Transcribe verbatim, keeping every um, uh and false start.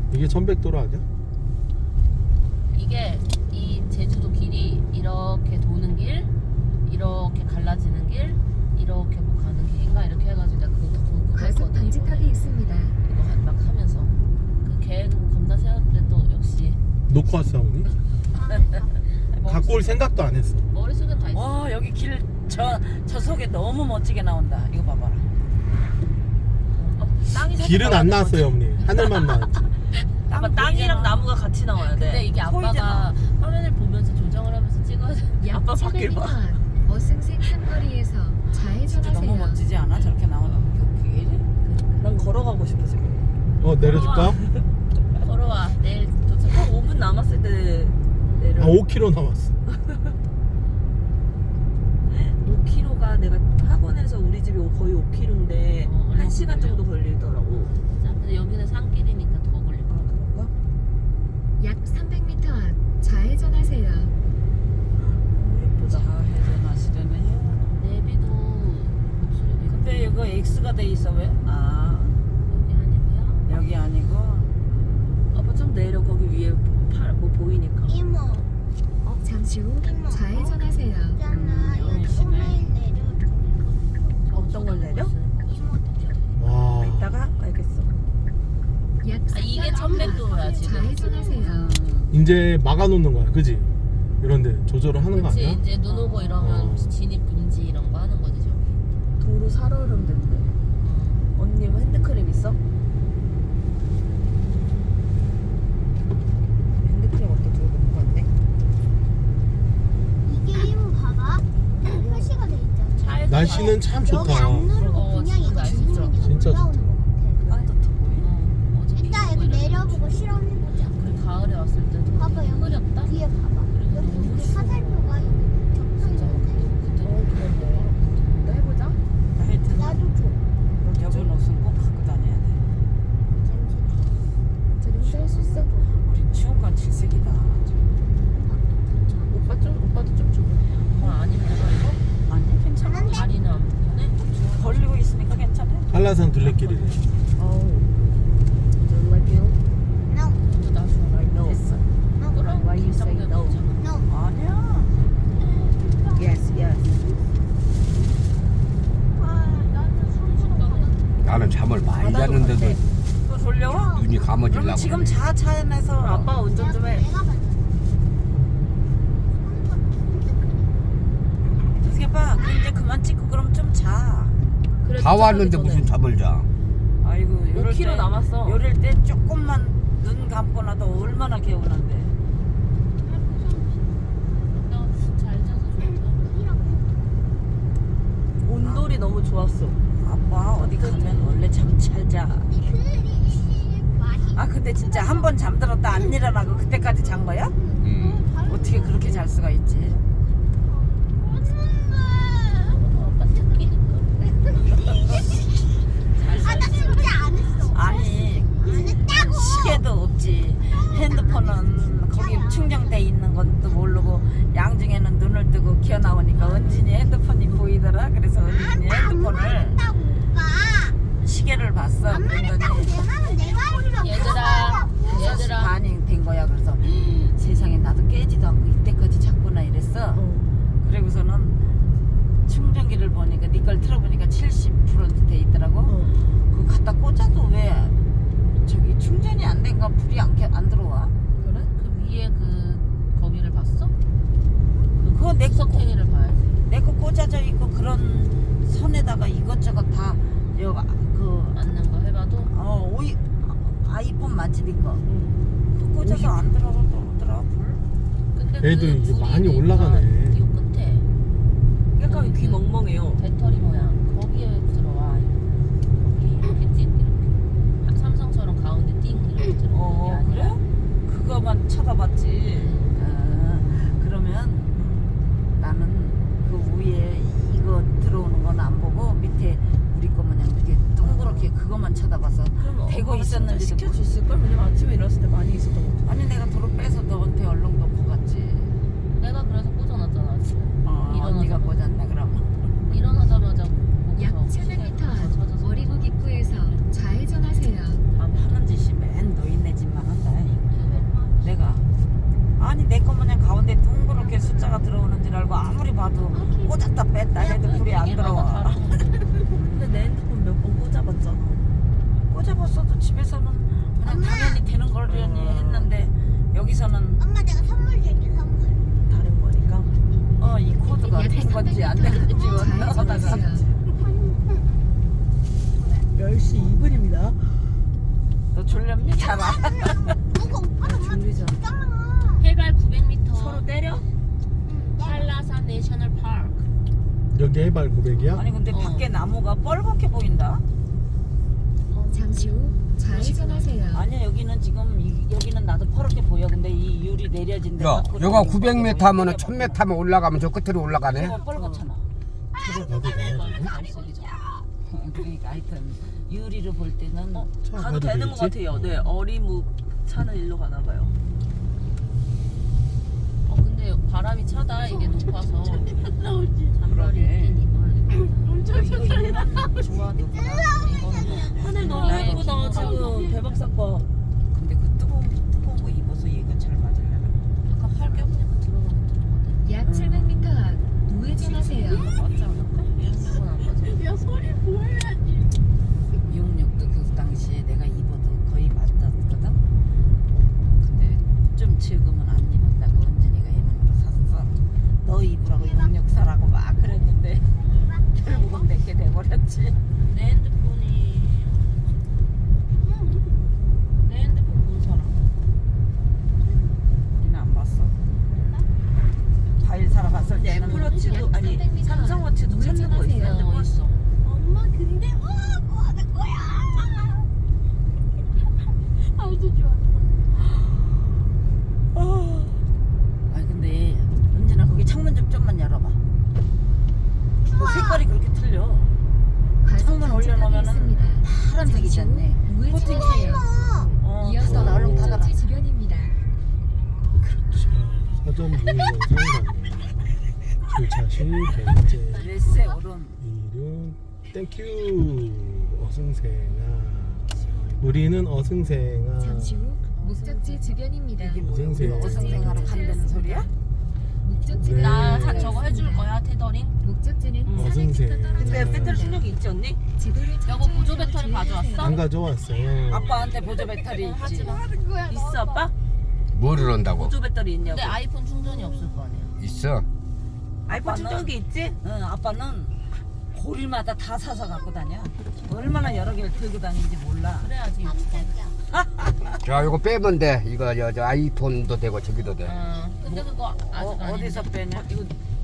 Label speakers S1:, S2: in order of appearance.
S1: 이게 천백도로 아니야?
S2: 이게 이 제주도 길이 이렇게 도는 길, 이렇게 갈라지는 길, 이렇게 뭐 가는 길인가 이렇게 해가지고 내가 그거 다
S3: 과속
S2: 공부했거든.
S3: 방지턱이 있습니다.
S2: 이거 하- 막 하면서 그 계획은 겁나 세웠는데 또 역시
S1: 놓고 왔어 어머니? 갖고 올 생각도 안 했어.
S2: 머릿속엔 다 있어.
S4: 와 여기 길 저 저 속에 너무 멋지게 나온다. 이거 봐봐라.
S2: 어, 땅이 살짝
S1: 길은 안
S2: 나왔는
S1: 나왔어요 어머니. 하늘만 나왔지.
S4: 땅
S5: 아빠 땅이랑
S4: 보이잖아.
S5: 나무가 같이 나와야 돼.
S2: 근데 이게 아빠가
S4: 보이잖아.
S2: 화면을 보면서 조정을 하면서 찍어야 돼.
S3: 약
S5: 아빠
S3: 칠백
S5: 밖을
S3: 미터
S5: 봐.
S3: 앞 어승생 삼거리에서
S4: 진짜
S3: 좌회전하세요.
S4: 너무 멋지지 않아? 저렇게 나오는 그 길이?
S5: 난 걸어가고 싶어 지금.
S1: 어 내려줄까?
S2: 걸어와. 내일 도착.
S5: 한 오 분 남았을 때 내려.
S1: 아 오 킬로미터 남았어.
S5: 오 킬로미터가 내가 학원에서 우리 집이 거의 오 킬로미터인데
S2: 어, 얼마
S5: 한 시간
S2: 걸려요?
S5: 정도 걸리더라고.
S2: 자, 근데 여기는 산길이니까 더 걸릴 거야.
S4: 그런가?
S3: 약 삼백 미터 앞 좌회전하세요.
S5: 예쁘다.
S4: 좌회전하시려네요.
S2: 내비도 목소리 내비.
S4: 근데 이거 X가 돼 있어 왜? 아
S2: 여기 아니고요.
S4: 여기 아니고
S5: 아빠 좀 내려 거기 위에 팔 뭐 보이니까.
S6: 이모,
S3: 잠시 후
S6: 이모.
S3: 좌회전하세요.
S6: 있잖아.
S4: 음,
S6: 여기
S4: 여기시네.
S6: 오메일 내려.
S5: 어떤 걸 내려?
S1: 와.
S5: 이따가 알겠어.
S3: 약
S2: 아, 이게 천백 도로야, 지금.
S3: 좌회전하세요.
S4: 음,
S1: 이제 막아놓는 거야, 그지? 이런데 조절을 하는 거
S2: 그치,
S1: 아니야?
S2: 이제 눈 오고 이러면
S1: 어.
S2: 진입 금지 이런 거 하는 거지 저기.
S5: 도로 살얼음 된대.
S2: 어.
S5: 언니 뭐 핸드크림 있어? 핸드크림 어디다 두고 놓은 거 같네.
S6: 이게 이모 봐봐. 표시가 돼 있잖아.
S2: 차에서
S1: 날씨는 참
S6: 여기
S1: 좋다.
S6: 안 누르고
S2: 어,
S6: 그냥
S2: 진짜
S6: 이거
S2: 날씨
S6: 누르면 이게
S1: 진짜
S6: 올라오는
S1: 좋다.
S6: 거 같아.
S4: 따뜻해 보여.
S2: 어, 어제 비
S6: 이따
S2: 오고
S6: 여기
S2: 이랬는데.
S6: 내려보고 실험해보자.
S2: 그래 가을에 왔을 때도
S6: 봐봐,
S2: 되게
S6: 여기
S2: 흐렸다.
S6: 뒤에 봐봐.
S2: 그리고
S6: 여기
S2: 너무
S6: 이렇게
S2: 추워.
S6: 화살표가 여기
S2: 진짜
S6: 적혀있는데.
S2: 그때
S5: 어 그래 뭐. 나 해보자.
S4: 하여튼
S6: 나도 줘.
S4: 여분 옷은 꼭 갖고 다녀야 돼.
S5: 재밌게 할수 있어?
S4: 우린 추운 건 질색이다.
S5: 오빠 좀 오빠도 좀 줘.
S2: 어, 아니면 내가 이거
S4: 아니 괜찮아.
S2: 다리는 안 보네.
S4: 걸리고 있으니까 괜찮아.
S1: 한라산 둘레길이래.
S5: 어우. Don't let you.
S6: No,
S2: 먼저 나 줘.
S5: I know.
S4: 됐어.
S6: no,
S2: 그럼
S5: Why you say
S2: 긴장되면
S5: no?
S2: 되잖아.
S6: no.
S4: 아니야.
S5: Yes, yes.
S7: 나는 잠을 많이
S5: 바다로
S7: 잤는데도
S5: 갔대.
S4: 또 졸려워?
S7: 눈이 감아지려고
S4: 그럼 지금
S7: 그러네.
S4: 자 차 안에서
S5: 아빠 운전 좀 해.
S6: 내가 봤어.
S4: 어떻게 봐. 그 이제 그만 찍고 그럼 좀 자.
S5: 그래,
S7: 다
S5: 도착하기
S7: 왔는데
S5: 전에.
S7: 무슨 잠을 자.
S4: 아이고
S5: 오
S4: 요럴
S5: 킬로미터
S4: 때
S5: 남았어.
S4: 요럴 때 조금만 눈 감고 나도 얼마나 개운한데.
S2: 내가 잘 자서 좋다.
S5: 온돌이 너무 좋았어.
S4: 아빠 어디 가면 원래 잠 잘 자. 아 근데 진짜 한 번 잠들었다 안 일어나고 그때까지 잔 거야?
S7: 음.
S4: 어떻게 그렇게 잘 수가 있지?
S2: 아빠 새끼니까.
S6: 아, 나 진짜 안 했어.
S4: 아니
S6: 안 했다고.
S4: 시계도 없지. 핸드폰은 거기 충전돼 있는 것도 모르고 양중에는 눈을 뜨고 기어 나오니까 은진이 핸드폰이 보이더라. 그래서 은진이 핸드폰을
S6: 했다고 오빠.
S4: 시계를 봤어.
S6: 안
S4: 그랬더니
S6: 말했다고 내 말은 내가 하려고.
S2: 얘들아,
S4: 여섯 시
S2: 얘들아.
S4: 반이 된 거야. 그래서 세상에 나도 깨지도 않고 이때까지 잤구나 이랬어.
S5: 어.
S4: 그리고서는 충전기를 보니까 네 걸 틀어보니까 칠십 퍼센트 돼 있더라고.
S5: 어.
S4: 그거 갖다 꽂아도 왜 저기 충전이 안 된가 불이 안, 켜- 안 들어와?
S2: 그래? 그 위에 그 거기를 봤어?
S4: 그거 내 거,
S2: 석탱이를 봐야지.
S4: 내 거 꽂아져 있고 그런 선에다가 이것저것 다 여가 그
S2: 맞는 거 해봐도.
S4: 어, 오이 아이폰 맞지 네 거.
S5: 응.
S4: 그거 꽂아서 안 들어오더라 불.
S2: 근데
S1: 얘도
S2: 그
S1: 이게
S2: 불이
S1: 많이
S2: 있으니까
S1: 올라가네.
S2: 이 끝에
S5: 약간 귀
S2: 그
S5: 멍멍해요.
S2: 배터리 모양 거기에 들어와. 여기 이렇게 띵 이렇게 삼성처럼 가운데 띵 이렇게 들어오는 게
S4: 어
S2: 아니라.
S4: 그래? 그거만 쳐다봤지. 아, 그러면 나는 그 위에 이거 들어오는 건 안 보고 밑에 우리 거 마냥 이렇게 동그랗게 그것만 쳐다봐서
S5: 그럼
S4: 대고
S5: 엄마가 진짜
S4: 있었는지도
S5: 시켜줬을 걸. 왜냐면 아침에 일어났을 때 많이 있었던 것 같아.
S4: 아니 내가 도로 빼서 너한테 얼른 놓고 갔지.
S2: 내가 그래서 꽂아놨잖아 아침에.
S4: 어,
S2: 일어나서.
S4: 언니가 꽂았네 그럼.
S2: 일어나자마자
S3: 약
S2: 거기서
S3: 칠백 미터
S2: 시계
S3: 앞
S2: 찾아서
S3: 어리고 입구에서 좌회전하세요.
S2: 밤에
S4: 하는 짓이 맨 노인네 집만 왜 안 들어와?
S5: 근데 내 핸드폰 몇 번 꽂아봤잖아.
S4: 꽂아봤어도 집에서는 그냥
S6: 엄마.
S4: 당연히 되는 거려니 했는데 여기서는
S6: 엄마 내가 선물 줄게 선물.
S5: 다른 거니까.
S4: 어 이 코드가 된 건지 안 된 건지 원하다가
S5: 열 시 이 분입니다.
S4: 너 졸렵니? 잘 안.
S6: 누가 오빠는 엄마
S5: 졸리죠.
S6: 잖아.
S2: 해발 구백 미터.
S5: 서로 때려?
S6: 응. 내가
S2: 한라산 내셔널 파크.
S1: 여기 해발 구백이야?
S4: 아니 근데
S2: 어.
S4: 밖에 나무가 뻘겋게 보인다.
S3: 잠시 후 좌회전하세요.
S4: 아니야 여기는 지금 이, 여기는 나도 퍼렇게 보여. 근데 이 유리 내려진 데가
S7: 야, 여가 구백 미터 하면은 천 미터 하면 올라가면 저 끝으로 올라가네.
S4: 가 뻘겋잖아.
S1: 들어가도 되나?
S4: 그러니까 하여튼 유리를 볼 때는
S1: 차
S5: 가도
S1: 가도
S5: 되는 것
S1: 되겠지?
S5: 같아요. 네, 어리묵 차는 일로 가나 봐요.
S2: 어 근데 바람이 차다 이게 높아서. 잔머리
S4: 그러게.
S2: 입긴 입어야겠다.
S4: 이거 얘는 좋아 누구나.
S2: 이거는
S5: 하늘 너무
S2: 네,
S5: 예쁘다. 지금 대박 사건.
S4: 근데 그 뜨거운 뜨거운 거 입어서 얘가 잘 맞으려나?
S2: 아까 팔 껴보니까 들어가긴 들어가네.
S3: 약 칠백 미터 앞 우회전하세요.
S2: 맞지 않을까? 이건 안 맞아.
S6: 야 소리 보여야지.
S4: 이용력도 그 당시에 내가 입어도 거의 맞았거든. 근데 좀 지금은 안 입었다고 은진이가 이놈으로 샀어. 너 입으라고 이용력 사라고 막 그랬는데 결국은 내게 돼버렸지.
S2: 내 핸드폰이 내 핸드폰 본 사람.
S4: 우리는 안 봤어. 과일 사러 갔을
S5: 근데
S4: 때는
S5: 애플워치도 아니
S3: 삼백 미터
S5: 삼성워치도 찾는 거 있어.
S3: 우회전하세요.
S2: 어 있어.
S6: 엄마 근데 어 뭐 하는 거야? 아주 좋아.
S4: 아니 근데 은진아 거기 창문 좀 좀만 열어봐. 그 색깔이 그렇게 틀려. 창문 올려놓으면은 파란색이지 않네.
S3: 우회전하세요.
S4: 어,
S3: 이어서
S4: 그거 얼른 닫아라.
S3: 목적지 주변입니다.
S1: 자, 사전 문의 영상 주차 시 결제
S4: 레세 오른.
S1: 이름 땡큐 어승생아. 우리는 어승생아.
S3: 잠시 후 목적지 주변입니다.
S4: 이게 뭐야? 우리
S1: 어승생.
S4: 어승생하러 간다는 소리야?
S3: 목적지가
S1: 네.
S2: 나 자, 저거 해줄 거야 테더링.
S3: 목적지는
S4: 음.
S3: 사백 미터
S1: 어승생.
S5: 근데
S3: 떨어져
S5: 배터리 충전기 있지 언니?
S3: 지도를
S2: 여보 보조 배터리 가져왔어?
S1: 안 가져왔어요.
S4: 아빠한테 보조 배터리 있지.
S2: 하지 마.
S5: 있어 아빠?
S7: 뭐를 한다고?
S5: 보조 배터리 있냐고.
S2: 근데 아이폰 충전이 없을 거 아니야.
S7: 있어.
S5: 아이폰 충전기 있지?
S4: 응, 아빠는 고리마다 다 사서 갖고 다녀. 얼마나 여러 개를 들고 다니는지 몰라.
S2: 그래야지 유튜브.
S7: 자, 이거 빼면 돼. 이거 저, 저 아이폰도 되고 저기도 돼.
S2: 어. 근데 그거 아직
S4: 어,
S2: 아닌데.
S4: 어디서 빼냐?
S5: 이거